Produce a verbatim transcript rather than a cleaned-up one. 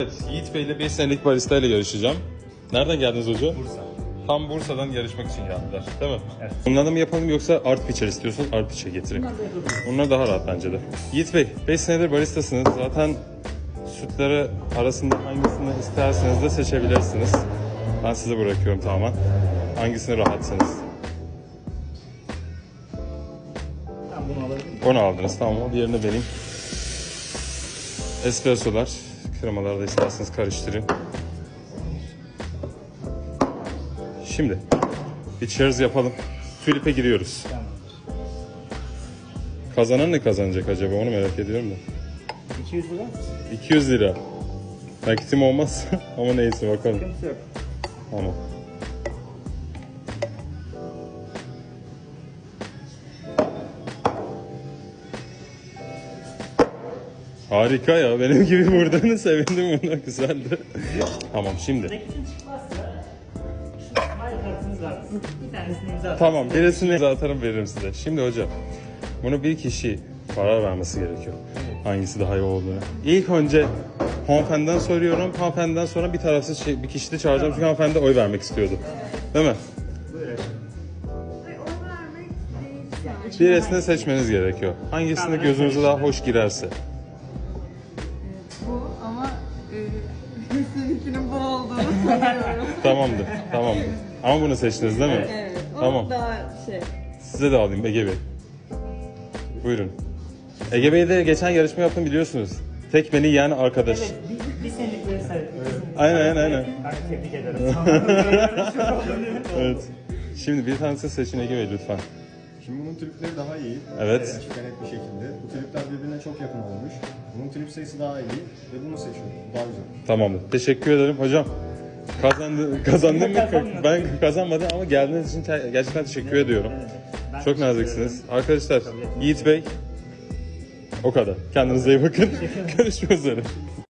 Evet, Yiğit Bey ile beş senelik barista ile yarışacağım. Nereden geldiniz hocam? Bursa. Tam Bursa'dan yarışmak için geldiler, değil mi? Evet. Bunlardan mı yapalım yoksa art pitcher istiyorsun, art pitcher getireyim. Bunlar daha rahat bence de. Yiğit Bey, beş senedir baristasınız. Zaten sütleri arasında hangisini isterseniz de seçebilirsiniz. Ben size bırakıyorum tamamen. Hangisini rahatsınız? Ben bunu alabilirim. Onu aldınız, tamam mı? Diğerini vereyim. Espressolar, kremaları da isterseniz karıştırın. Şimdi bir cheers yapalım. Tulip'e giriyoruz. Tamam. Kazanan ne kazanacak acaba, onu merak ediyorum da. iki yüz lira. iki yüz lira. Nakitim olmaz ama neyse bakalım. Sıkıntı yok. Tamam. Harika ya, benim gibi vurduğunu sevindim, buna güzeldi. Tamam şimdi. Nakitin çıkmazsa şu smile kartınız var. Bir tanesini imza atın. Tamam, birisini imza atarım, veririm size. Şimdi hocam, bunu bir kişi karar vermesi gerekiyor. Hangisi daha iyi olduğunu. İlk önce hanımefendiden soruyorum. Hanımefendiden sonra bir tarafsız şey, bir kişi de çağıracağım çünkü hanımefendi oy vermek istiyordu. Değil mi? Buyurun. Ay, o vermek değil yani. Birisini seçmeniz gerekiyor. Hangisinde gözünüze daha hoş girerse. Bu ama e, seninkinin bu olduğunu sanıyorum. Tamamdır, tamamdır. Ama bunu seçtiniz değil mi? Evet. O Tamam. daha şey. Size de alayım Ege Bey. Buyurun. Ege Bey de geçen yarışma yaptım biliyorsunuz. Tek beni yiyen arkadaş. Evet, bir, bir senelik böyle sayı. Aynen, aynen, aynen. Ben tebrik ederim. Evet. Şimdi bir tanesini seçin Ege Bey lütfen. Şimdi bunun tripleri daha iyi. Evet. Açık ve net bir şekilde. Bu tripler birbirine çok yakın olmuş. Bunun trip sayısı daha iyi ve bunu seçiyorum. Bu daha güzel. Tamamdır. Teşekkür ederim hocam. Kazandı, kazandım mı? Ben kazanmadım ama geldiğiniz için te- gerçekten teşekkür ediyorum. Ben Çok naziksiniz. Arkadaşlar, Yiğit Bey o kadar. Kendinize iyi bakın. Görüşmek üzere.